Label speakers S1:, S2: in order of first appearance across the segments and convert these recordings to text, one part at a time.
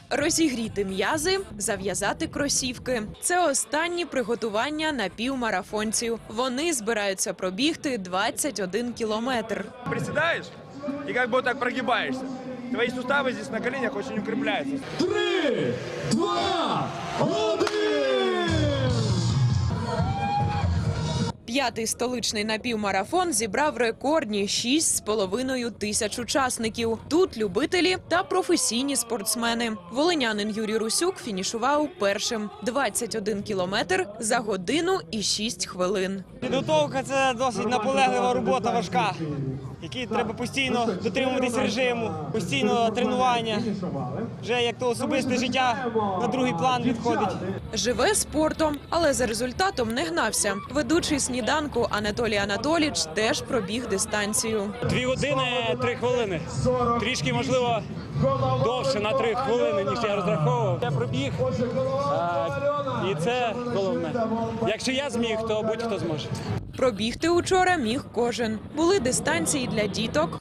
S1: Розігріти м'язи, зав'язати кросівки. Це останні приготування напівмарафонців. Вони збираються пробігти 21 кілометр.
S2: Приседаешь и как бы вот так прогибаешься. Твои суставы здесь на коленях очень укрепляются.
S3: 3, 2, 1!
S1: П'ятий столичний напівмарафон зібрав рекордні 6,5 тисяч учасників. Тут любителі та професійні спортсмени. Волинянин Юрій Русюк фінішував першим. 21 кілометр за годину і 6 хвилин.
S4: Підготовка – це досить наполеглива робота, важка, якій треба постійно дотримуватись режиму, постійно тренування. Вже як то особисте життя на другий план відходить.
S1: Живе спортом, але за результатом не гнався. Ведучий сніданку Анатолій Анатолійович теж пробіг дистанцію.
S5: 2 години 3 хвилини. Трішки, можливо, довше на 3 хвилини, ніж я розраховував. Я пробіг, і це головне. Якщо я зміг, то будь-хто зможе.
S1: Пробігти учора міг кожен. Були дистанції для діток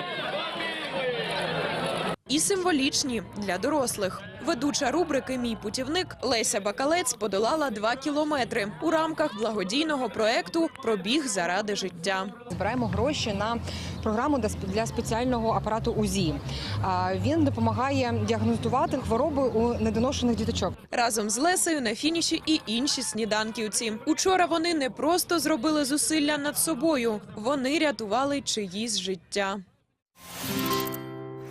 S1: і символічні для дорослих. Ведуча рубрики «Мій путівник» Леся Бакалець подолала 2 кілометри у рамках благодійного проекту «Пробіг заради життя».
S6: Збираємо гроші на програму для спеціального апарату УЗІ. Він допомагає діагностувати хвороби у недоношених діточок.
S1: Разом з Лесею на фініші і інші сніданківці. Учора вони не просто зробили зусилля над собою, вони рятували чиїсь життя.